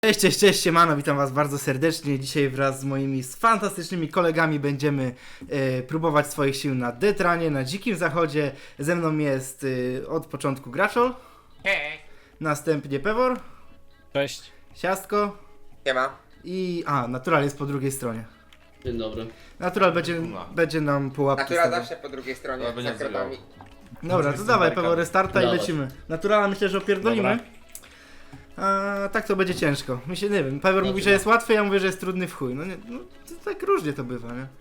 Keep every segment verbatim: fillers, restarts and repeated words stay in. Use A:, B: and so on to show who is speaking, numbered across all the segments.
A: Cześć, cześć, cześć, siemano, witam was bardzo serdecznie. Dzisiaj wraz z moimi fantastycznymi kolegami będziemy e, próbować swoich sił na Detranie, na Dzikim Zachodzie. Ze mną jest e, od początku Graczol.
B: Hej.
A: Następnie Pewor.
C: Cześć.
A: Siastko.
B: Siema.
A: I... a, Natural jest po drugiej stronie.
C: Dzień dobry.
A: Natural będzie, będzie nam pułapki
B: Natura
A: stawiał.
B: zawsze po drugiej stronie,
D: Ale będzie
B: za kratami.
A: Dobra, to dawaj Pewor, restarta i
C: Dawaj.
A: lecimy. Naturala myślę, że opierdolimy. A tak to będzie ciężko. Myślę, nie wiem, Pewor mówi, że jest łatwy, ja mówię, że jest trudny w chuj. No, nie, no to tak różnie to bywa, nie?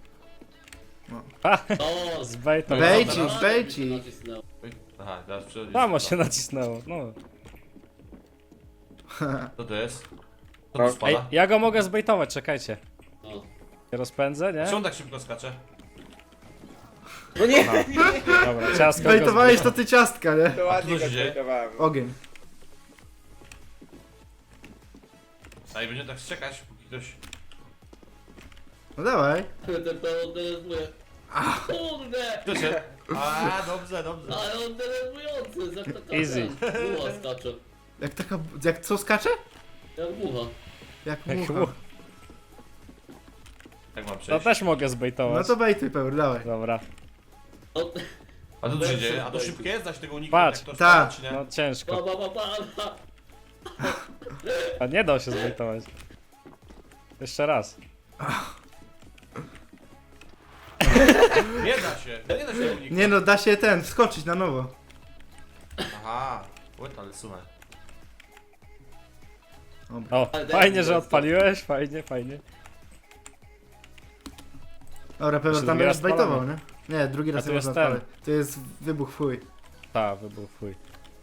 C: O, z bejtem.
A: Bejcik, bejcik.
D: Aha, teraz przychodzi.
C: Mamo się nacisnęło, no.
D: Co to jest? Co
B: No.
D: tu spada?
C: Ej, ja go mogę zbejtować, czekajcie.
E: O.
C: Się rozpędzę, nie?
D: Czemu on tak szybko skacze?
B: No nie,
C: Dobra, ciasko go
A: Bejtowałeś
C: zbej-
A: to ty ciastka, nie?
B: to ładnie
D: co
B: go
D: się dzieje?
B: zbejtowałem.
A: Ogień.
D: A i będzie tak czekać, póki ktoś...
A: No dawaj.
E: Ten to on denerwuje. Kurde!
D: Kto się? A, dobrze, dobrze.
E: Ale on denerwujący, jak taka
C: Easy.
E: mucha skacze.
A: Jak taka... jak co skacze?
E: Jak mucha.
A: Jak
C: Jak
A: mucha.
C: mu-
D: Jak mam
C: To
D: przejść?
C: też mogę
A: No
C: zbejtować.
A: to bejtuj Pewor, dawaj.
C: Dobra.
E: No,
D: A to co się dzieje? A to szybkie jest? Da się tego uniknąć?
C: Patrz.
D: Jak to
A: Tak.
D: spada, czy nie?
C: No
E: ba,
C: ciężko.
E: ba, ba, ba, ba.
C: A nie da się zbejtować. Jeszcze raz.
D: Nie da się, nie da się tego uniknąć.
A: Nie no, da się ten, wskoczyć na nowo.
D: Aha, łet, ale słuchaj.
A: Dobra.
C: O,
E: Ale
C: fajnie,
E: daj
C: że
E: mi
C: odpaliłeś, fajnie, fajnie.
A: Dobra, Pewor
C: Jeszcze
A: tam
C: drugi
A: już
C: raz
A: zbejtował, nie?
C: palamy.
A: Nie, drugi raz
C: A
A: nie
C: tu
A: można
C: jest ten.
A: odpalać. To jest wybuch w chuj.
C: Ta, wybuch, fuj.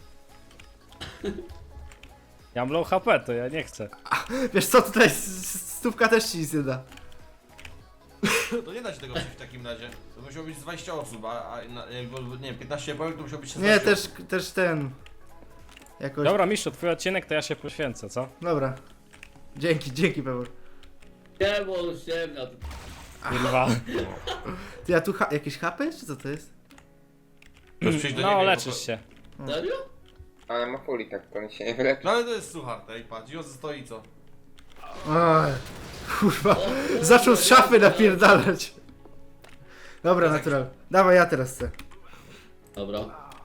C: Ja mam low H P, to ja nie chcę.
A: Wiesz co, tutaj s- s- stówka też ci nic nie da.
D: To nie da się tego przejść w takim razie. To musiało być z dwadzieścia osób, a, a na, jakby, nie wiem, piętnaście powiem, to musiało być szesnaście
A: Nie, też,
D: osób.
A: też ten... Jakoś...
C: Dobra, Miszu, twój odcinek to ja się poświęcę, co?
A: Dobra. Dzięki, dzięki Pewor.
E: Nie, bo on ściemnia.
C: Kurwa.
A: Ty, a tu ha jakieś H P jest, czy co to jest?
D: Możesz przyjść do
C: No,
D: niego i
C: leczysz
D: poko-
C: się.
E: Serio?
B: Ale ma fuli, tak to się nie wyleczy.
D: No ale to jest suchar, tej patrz, i on stoi co?
A: Oj, kurwa. Zaczął z szafy napierdalać. Dobra, natural. Dawaj, ja teraz chcę.
E: Dobra.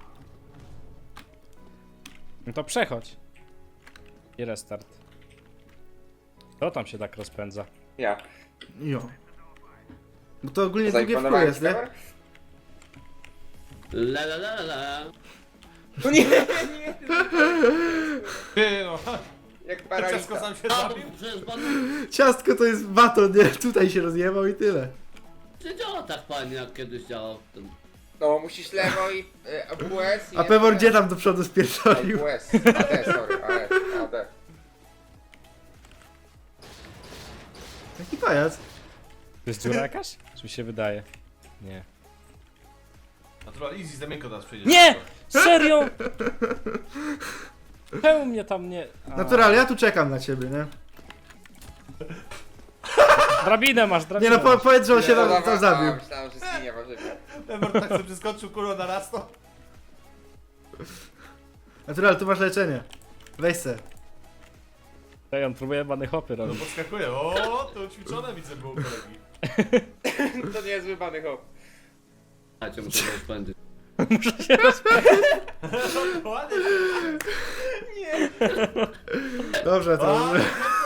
C: No to przechodź. I restart. Kto tam się tak rozpędza?
B: Ja.
A: Jo. Bo to ogólnie drugie w chuj
B: Zaimponowałem
A: jest,
B: ci,
A: nie?
B: Pewor?
E: La la la la.
B: No nie, nie.
D: Ty no,
B: Jak
D: ciasko
B: paralita.
D: sam się
E: A, bo
D: zabił.
E: przecież pan
A: Ciastko to jest baton, nie? Tutaj się rozjebał i tyle.
E: nie działa tak fajnie jak kiedyś działał ten.
B: No, musisz lewo i y, A W S i...
A: A Pewor gdzie tam do przodu spierdolił?
B: A W S. A D, sorry, A D. A D.
A: Jaki pajac?
C: To jest dziura jakaś? Czy mi się wydaje? Nie.
D: Natural easy, za miękko teraz przyjdzie.
C: Nie! Serio? Czemu mnie tam nie... A,
A: Natural, ja tu czekam na ciebie, nie?
C: Drabinę masz,
A: Nie
C: drabinę
A: no, po,
C: masz.
A: powiedz, że on się
B: No,
A: tam,
B: dobra,
A: tam zabił.
B: a, Myślałem, że zginie warzywnie.
D: Ever tak sobie przeskoczył kurwa na raz to.
A: Natural, tu masz leczenie. Weź se.
C: Ej, on próbuje bany hopy
D: No
C: robić.
D: podskakuje, o, to ćwiczone widzę było u kolegi.
B: To nie jest zły hop.
E: A cię muszę rozpędzić.
D: Ładnie.
A: Dobrze, to...
D: A,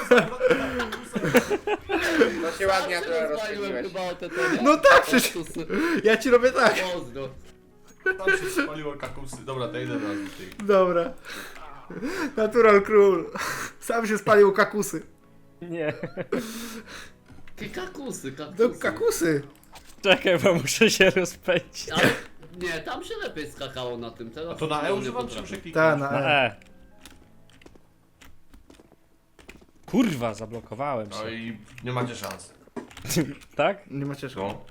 B: No się ładnie to
E: rozpaliłem
B: rozpędziłeś.
E: chyba o te te, nie?
A: No tak, przecież
E: Kaktusy.
A: ja ci robię tak.
E: Pozdro.
D: Tam się spaliło kakusy. Dobra, to idę raz do tych.
A: Dobra. Natural król. Sam się spalił kakusy.
C: Nie.
E: Jakie kakusy,
A: No
E: kaktusy.
A: kakusy.
C: Czekaj, bo muszę się rozpędzić.
E: Ale nie, tam się lepiej skakało na tym. Teraz
D: A to na E
E: nie
D: używam czy
E: potrafię.
D: muszę kliknąć?
A: Ta, na
C: Na
A: E.
C: E. Kurwa, zablokowałem
D: No
C: się.
D: i nie macie szans.
C: Tak?
A: Nie macie szkoły.
D: No.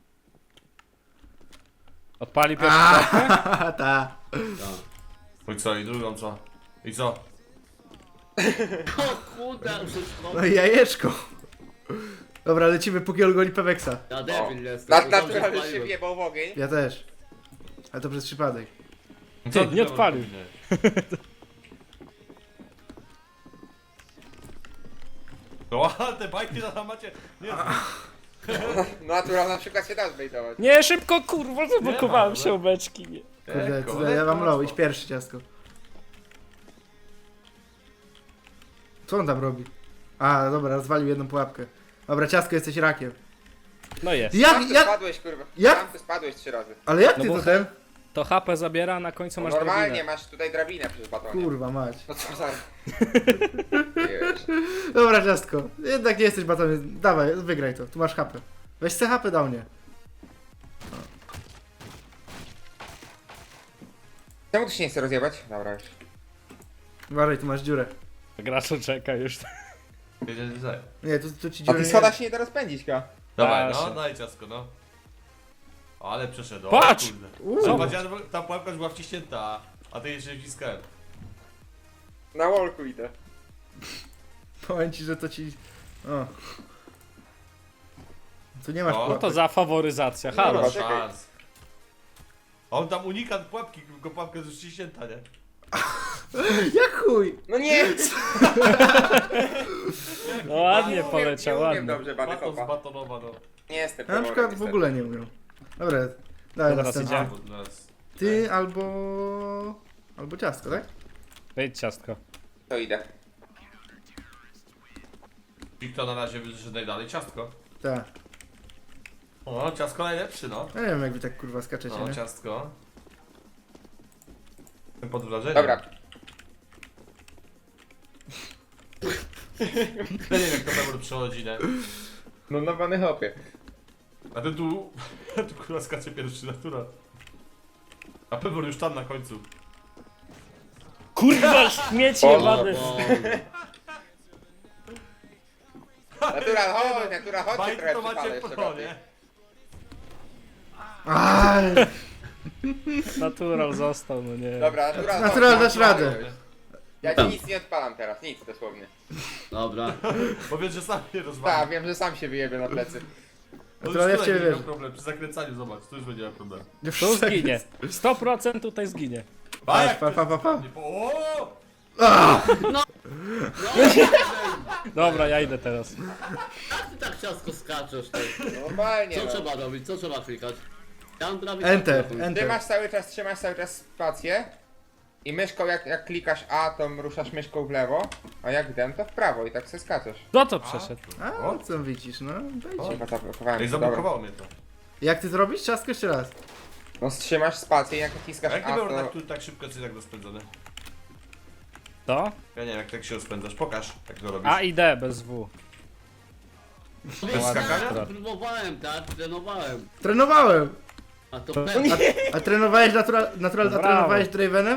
C: Odpali pierwszy klatkę?
A: A, ta.
E: Tak.
D: No i co, i drugą co? I co?
E: O kurde, wszystko.
A: No i jajeczko. Dobra, lecimy póki on goni Peweksa.
E: Ja debil jestem.
B: Na,
E: bo dobrze
B: naturalnie się
E: spaliłem.
B: wjebał w ogień.
A: Ja też. Ale to przez przypadek.
C: Ty, nie odpalił.
D: No ale te bajki na macie... Nie,
B: Natural na przykład się da zbejtować.
C: Nie, szybko, kurwa, zablokowałem
D: ma,
C: się beczki. Nie.
A: Kurde,
D: Lekko,
A: tutaj ja wam
D: lekko,
A: low,
D: łatwo.
A: idź pierwszy, ciastko. Co on tam robi? A, dobra, rozwalił jedną pułapkę. Dobra, ciastko, jesteś rakiem.
C: No jest.
A: Jak,
B: Tam ty
A: jak,
B: spadłeś, kurwa.
A: jak?
B: Tam ty spadłeś trzy razy.
A: ale jak
C: No
A: ty
C: bo-
A: to ten?
C: To H P zabiera, a na końcu
B: No
C: masz
B: normalnie,
C: drabinę.
B: masz tutaj drabinę przez batonie.
A: Kurwa mać.
B: No co za... Wiesz.
A: Dobra, ciastko, jednak nie jesteś batonem. Dawaj, wygraj to, tu masz H P. Weź se H P dał mnie.
B: Czemu tu się nie chce rozjebać? Dobra już.
A: Uważaj, tu masz dziurę.
C: Graczu czeka już.
D: Wiedzieć, że...
A: Nie, tu, tu ci
B: A
A: dziury
B: ty
A: nie...
B: schoda się nie da rozpędzić, ka.
D: Dawaj,
C: Proszę.
D: no, daj ciasko, no. Ale przeszedł.
C: Patrz!
D: Kurde.
A: Uuu.
D: Zobacz, ja, ta pułapka już była wciśnięta, a ty jeszcze wciskałem.
B: Na walku idę.
A: Powiem ci, że to ci... O. Tu nie masz
D: O,
C: No
A: pułapek.
C: to za faworyzacja,
B: Dobra,
C: halo.
B: czekaj.
D: Szans. On tam unika pułapki, tylko pułapka jest już wciśnięta, nie?
A: Jak chuj!
B: No nie!
C: No ładnie
B: Nie umiem-
C: poleciał,
B: nie umiem
C: ładnie.
B: dobrze bany
D: Baton
B: hopa.
D: zbatonowa, no.
B: Nie jestem
A: Ja na
B: pewny,
A: przykład w
B: niestety.
A: ogóle nie umiem. Dobra, dawaj
C: Teraz
A: następny.
C: idzie.
D: A, nas-
A: Ty albo... albo ciastko, tak?
C: Wejdź ciastko.
B: To idę.
D: I kto na razie wyszedł najdalej? Ciastko.
A: Tak.
D: O, ciastko najlepszy, no.
A: Ja nie wiem jak wy tak kurwa skaczecie,
D: No,
A: nie?
D: ciastko. Jestem pod wrażeniem.
B: Dobra.
D: Ja nie wiem jak to Pebor przechodzi, nie?
B: No na bany hopie.
D: A ty tu... tu kurwa skacze pierwszy natura. A Pebor już tam na końcu.
C: Kurwa, śmiecie,
B: O,
C: wady.
B: Natural, chodź, natural, chodź się
D: Bajki
B: trochę
D: to
B: przypalę
D: macie
B: jeszcze
D: pro,
B: bardziej.
D: nie?
A: Aj,
C: Natural został, no nie.
B: Dobra, natural,
A: Natural,
B: chodź,
A: dasz
B: chodź,
A: radę.
B: chodź. Ja ci nic nie odpalam teraz, nic dosłownie.
E: Dobra.
D: Bo wiesz, że sam nie
B: Tak,
D: rozwali.
B: wiem, że sam się wyjebie na plecy.
D: No już
A: Natural, ja w
D: tutaj
A: ciebie
D: będzie miał
A: wierzę.
D: problem, przy zakręcaniu zobacz, tu już będzie miał problem.
C: Tu zginie. sto procent tutaj zginie.
D: A jak
A: pa, pa, pa, pa.
D: Nie po- O!
E: No,
C: Dobra, ja idę teraz.
E: jak ty tak ciasko skaczesz, ty?
B: Normalnie,
E: Co
B: no.
E: trzeba robić? Co trzeba klikać? Ja mam prawie
A: Enter,
E: tak,
A: enter.
B: Trzymasz cały czas, trzymasz cały czas spację i myszką jak, jak klikasz A, to ruszasz myszką w lewo, a jak dem to w prawo i tak se skaczesz.
C: Kto to przeszedł?
A: A, co widzisz, no dajcie.
B: Chyba zablokowałem
D: Ej,
B: to, dobra.
D: zablokowało mnie to.
A: Jak ty zrobisz? Ciastko jeszcze raz.
B: No trzymasz spację i jak
D: A
B: naciskasz
D: jak
B: A,
D: nie było
B: to...
D: tak, tu, tak szybko, czy tak rozpędzone?
C: To?
D: Ja nie wiem, jak tak się rozpędzasz, pokaż, jak to robisz.
C: A i D bez W.
D: Bez skakania?
E: Ja próbowałem, tak? Trenowałem.
A: Trenowałem!
E: A to
C: To-
E: pewnie.
A: A trenowałeś natural, natural a
C: Brawo.
A: trenowałeś Dravenem?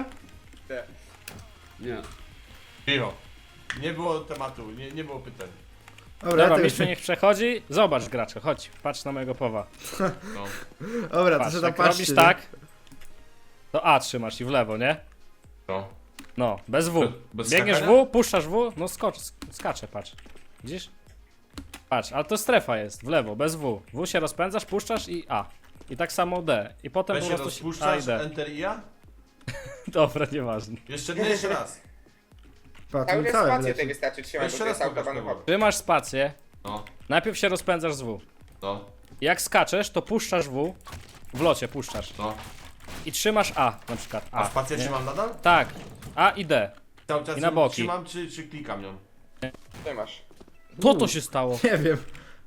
E: Nie.
D: Cicho. Nie było tematu, nie, nie było pytań.
A: Dobra,
C: Dobra,
A: to
C: mistrzu niech przechodzi. Zobacz gracze, chodź, patrz na mojego powa.
D: No.
A: Dobra, to
C: Patrz,
A: się tam
C: jak
A: patrzcie.
C: robisz
A: nie?
C: tak, to A trzymasz i w lewo, nie?
D: No.
C: No, bez W.
D: Bez
C: Biegniesz
D: skakania?
C: W, puszczasz W, no skocz, sk- skacze, patrz. Widzisz? Patrz, ale to strefa jest, w lewo, bez W. W się rozpędzasz, puszczasz i A. I tak samo D. I potem
D: Weź
C: po
D: się
C: prostu A i
D: rozpuszczasz,
C: D.
D: Enter i ja?
C: Dobra, nieważne.
D: Jeszcze, nie, jeszcze raz.
A: Patrz,
B: Cały
A: mi
B: czas
A: całe
B: spację
A: wleci.
B: tej wystarczy trzymać,
D: Jeszcze
B: bo to
D: raz
B: jest
D: pokaż,
B: autobahn
D: Paweł.
B: hop.
C: Trzymasz spację,
D: No,
C: najpierw się rozpędzasz z W.
D: no,
C: Jak skaczesz, to puszczasz W, w locie puszczasz.
D: no.
C: I trzymasz A na przykład. A,
D: A spację
C: nie?
D: trzymam nadal?
C: Tak, A i D.
D: Cały czas
C: I na
D: ją
C: boki.
D: trzymam, czy, czy klikam nią?
B: Trzymasz.
C: Co to się stało?
A: Nie wiem.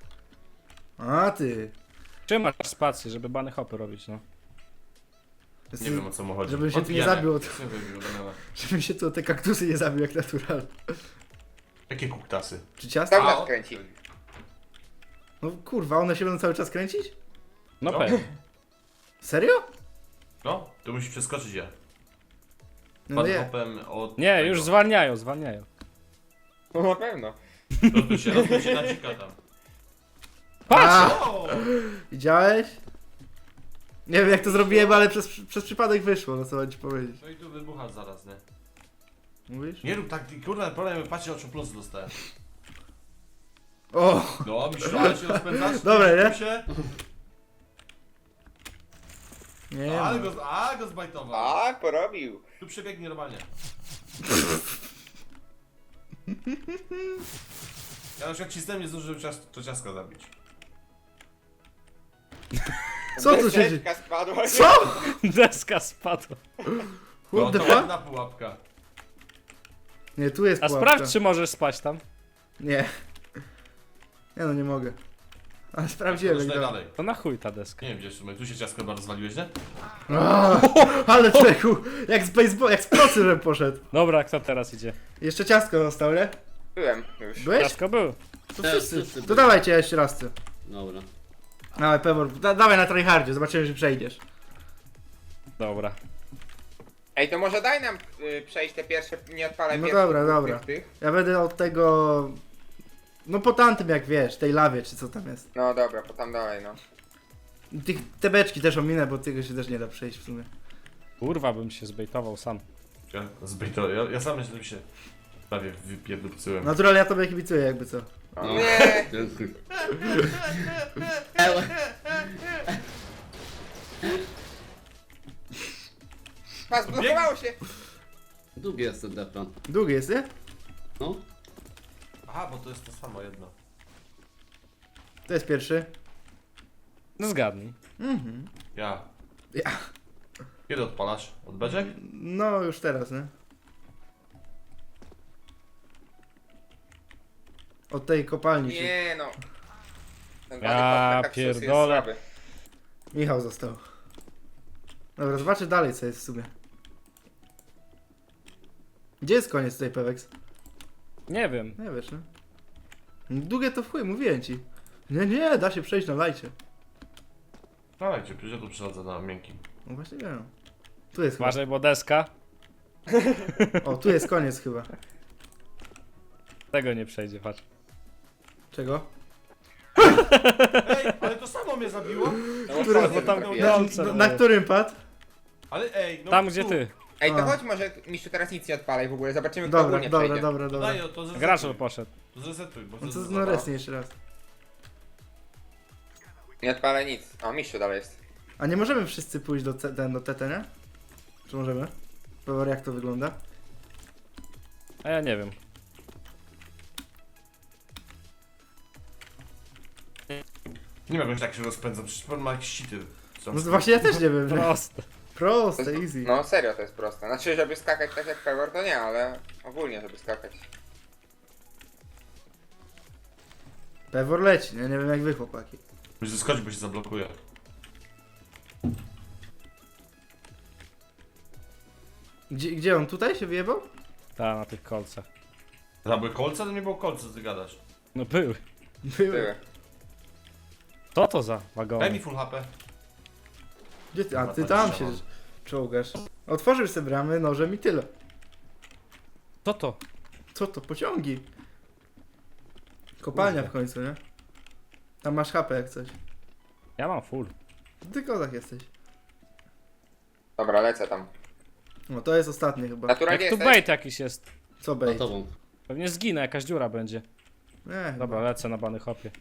A: A ty.
C: Trzymasz spację, żeby bany hopy robić, no.
D: Nie wiem, o co mu chodzi.
A: Żebym się tu nie
D: Odpijane.
A: zabił od-
D: Co wybił, Damiana?
A: Żebym się tu o te kaktusy nie zabił jak natural.
D: Jakie kuktasy?
A: Czy ciasto?
B: Cały
D: A,
B: czas
D: o-
B: kręci.
A: No kurwa, one się będą cały czas kręcić?
C: No
D: No.
C: pewnie.
A: Serio?
D: No, to musisz przeskoczyć ja.
A: No
D: Pod
A: nie.
D: hopem od...
C: Nie,
D: tego.
C: już zwalniają, zwalniają.
B: No na pewno.
D: Rozbój się, rozbój się na dzika tam.
C: Patrz!
A: A,
D: O!
A: widziałeś? Nie wiem jak to zrobiłem, ale przez, przez przypadek wyszło, no co mam ci powiedzieć.
D: No i tu wybucha zaraz, nie?
A: Mówisz?
D: Nie rób tak, ty, kurwa, problem, patrzcie, o czym plus dostałem.
A: O!
D: No, myślisz, ale się rozpędzasz?
A: Dobra, nie?
D: Tu się?
A: Nie
D: Ale
A: no.
D: go, a, go zbajtował.
B: A, porobił.
D: Tu przebiegnie normalnie. Ja na przykład cisnąłem, nie zdążyłem cias to ciaska zabić.
A: Co tu się dzieje?
B: Deseczka spadła.
A: Co?
C: Deska spadła.
D: No
A: What the
D: to
A: fuck?
D: ładna pułapka.
A: Nie, tu jest
C: A
A: pułapka.
C: sprawdź, czy możesz spać tam.
A: Nie. Nie no, nie mogę. Ale sprawdziłem jak
D: Dalej,
A: to.
D: dalej.
C: To na chuj ta deska.
D: Nie wiem gdzie w sumie, tu się ciasko chyba rozwaliłeś, nie?
A: A, ale czeku, jak z baseball, jak z procy, żebym poszedł.
C: Dobra, kto teraz idzie?
A: Jeszcze ciastko został, nie?
B: Byłem już.
A: Byłeś?
C: Ciasko był.
A: To
E: Teraz
A: wszyscy.
E: wszyscy
A: To
E: byli.
A: dawajcie jeszcze raz ty.
E: Dobra.
A: Dawaj, Pewor, da, dawaj na tryhardzie, zobaczymy, czy przejdziesz.
C: Dobra.
B: Ej, to może daj nam y, przejść te pierwsze, nie odpalaj
A: No
B: pierwszych
A: dobra,
B: dwóch
A: dobra.
B: Tych, tych.
A: Ja będę od tego... No po tamtym jak wiesz, tej lawie, czy co tam jest.
B: No dobra, po tam dalej, no.
A: I tych te beczki też ominę, bo tego się też nie da przejść w sumie.
C: Kurwa, bym się zbejtował sam.
D: Ja, zbyto, ja, ja sam myślę, że się prawie wypierdupcyłem.
A: Natural, ja tobie kibicuję jakby co.
B: O,
E: No.
B: nie!
E: Dziękuję. Eee,
B: Pas, zblokowało się!
E: Długi jest ten defran.
A: Długi jest, nie?
E: No.
D: Aha, bo to jest to samo jedno.
A: To jest pierwszy.
C: No zgadnij.
A: Mhm.
D: Ja.
A: Ja.
D: Kiedy odpalasz? Od beczek?
A: No już teraz, nie? Od tej kopalni się...
B: Nie no. Ten
C: Ja
B: Władysław Kaktus jest
C: pierdolę.
B: słaby.
A: Michał został. Dobra, zobaczę dalej co jest w sumie. Gdzie jest koniec tej Pewex?
C: Nie wiem.
A: Nie wiesz, nie? Długie to w chuj, mówiłem ci. Nie, nie, da się przejść na lajcie.
D: Dawajcie, przecież ja tu przychodzę na miękkim.
A: No właśnie wiem. Tu jest chyba.
C: Uważaj, bo deska.
A: O, tu jest koniec chyba.
C: Tego nie przejdzie, patrz.
A: Czego?
D: Ej, ale to samo mnie zabiło?
B: No,
A: Który-
B: wpadnie
C: bo tam-
B: trafiłem.
C: no,
A: Na,
C: co?
A: na którym pad?
D: Ale ej, no
C: Tam,
D: tu.
C: gdzie ty.
B: Ej, to
A: A.
B: chodź może, Mistrzu, teraz nic nie odpalaj w ogóle, zobaczymy kto
A: Dobra,
B: ogólnie
A: dobra,
B: przejdzie.
A: dobra,
D: To
A: dobra.
D: daj, to zresetuj.
C: Gracz poszedł.
D: To zresetuj, bo
A: No to
D: to
A: no resnie jeszcze raz.
B: Nie odpalaj nic. O, Mistrzu dalej jest.
A: A nie możemy wszyscy pójść do, C- ten, do T T, nie? Czy możemy? Powiem jak to wygląda.
C: A ja nie wiem.
D: Nie wiem, jak tak się rozpędza, przecież pan ma jakieś sity.
A: No to właśnie ja też nie wiem. nie?
C: Proste.
A: Proste, easy.
B: No serio to jest proste. Znaczy, żeby skakać tak jak Pewor to nie, ale ogólnie żeby skakać.
A: Pewor leci, nie? Nie wiem jak wy chłopaki.
D: Musisz zeskoczyć, bo się zablokuje.
A: Gdzie, gdzie on? Tutaj się wyjebał?
C: Ta, na tych kolcach.
D: Tam były kolce, to nie było kolce, co ty gadasz.
C: No były.
B: Były.
C: Co to za
D: Daj mi
C: wagony?
D: full H P.
A: Gdzie ty? A ty
D: Dobra,
A: tam
D: to
A: się
D: nie
A: czołgasz. Otworzył sobie bramy nożem i tyle.
C: Co to?
A: Co to? Pociągi. Kopalnia
C: Kurde.
A: w końcu, nie? Tam masz H P jak coś.
C: Ja mam full.
A: Ty kozak jesteś.
B: Dobra, lecę tam.
A: No to jest ostatnie chyba.
B: Naturalnie
C: Jak tu
B: jesteś?
C: bait jakiś jest.
A: Co
E: Za
A: bait?
E: tobą.
C: Pewnie zginę, jakaś dziura będzie.
A: Nie,
C: Dobra,
A: chyba.
C: lecę na bany hopie.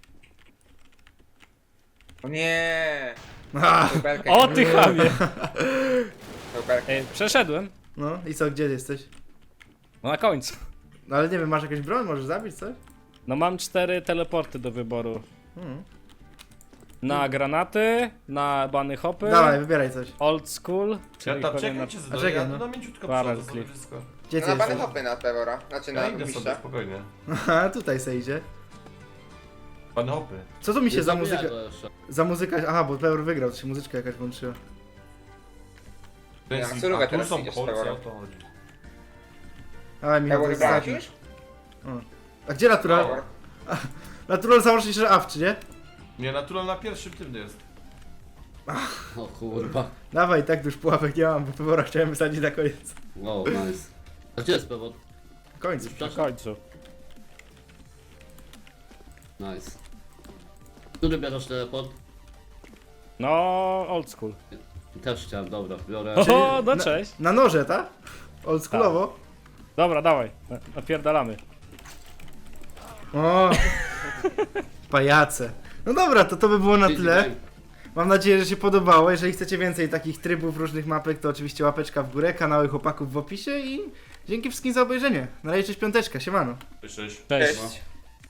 B: O nie.
A: A,
B: Belkę,
C: O ty chamie!
B: belkę.
C: Ej, przeszedłem.
A: no i co, gdzie jesteś?
C: No na końcu.
A: No ale nie wiem, masz jakąś broń? Możesz zabić coś?
C: No mam cztery teleporty do wyboru.
A: Hmm.
C: Na granaty, na bany hopy,
A: Dawaj, wybieraj coś.
C: old school, czyli
D: Ja tam
C: pewnie
D: czekaj,
C: na...
D: cię
A: A
D: zadaję,
A: czekaj,
D: ja
A: no.
D: no mięciutko
C: Parę
D: przodu sobie
C: klip.
D: wszystko.
A: Gdzie
B: No
A: ty
B: na bany
A: jesteś?
B: hopy na Pewora. Znaczy
D: Ja
B: na
D: idę sobie,
B: Mistrza.
D: spokojnie.
A: Aha, tutaj se idzie.
D: Pan hopy.
A: Co tu mi się
E: Nie
A: za
E: zabija
A: muzyka...
E: go jeszcze.
A: Za muzyka... Aha, bo Peur wygrał, to się muzyczka jakaś włączyła.
D: To
B: Ja
D: jest,
B: na surówę
D: a tu
B: teraz
D: są
B: idziesz,
D: kolce,
B: Pewora.
D: o to chodzi.
A: Dawaj Michał, to
B: Pewor
A: jest
B: wybrałeś
A: ostatni.
B: już?
A: A gdzie Natural?
B: Pewor.
A: Natural założyć, że awczy, nie?
D: Nie, natural na pierwszym tym jest.
E: O kurwa.
A: Dawaj, tak już pułapek nie mam, bo Peura chciałem wysadzić na koniec.
E: Wow, nice. A gdzie jest pewod?
A: W końcu.
E: Już
C: Na
E: przeszedł?
C: końcu.
E: Nice. Który bierzesz teleport?
C: No, old school.
E: Też chciałem, dobra, biorę.
C: O, no
A: na-
C: cześć.
A: Na noże, tak? Oldschoolowo?
C: Dobra, dawaj, na- napierdalamy.
A: O, pajace. No dobra, to to by było na tyle. Mam nadzieję, że się podobało. Jeżeli chcecie więcej takich trybów, różnych mapek, to oczywiście łapeczka w górę, kanały chłopaków w opisie i dzięki wszystkim za obejrzenie. Na razie, cześć piąteczka, siemano.
D: Cześć.
C: Cześć.
B: Cześć.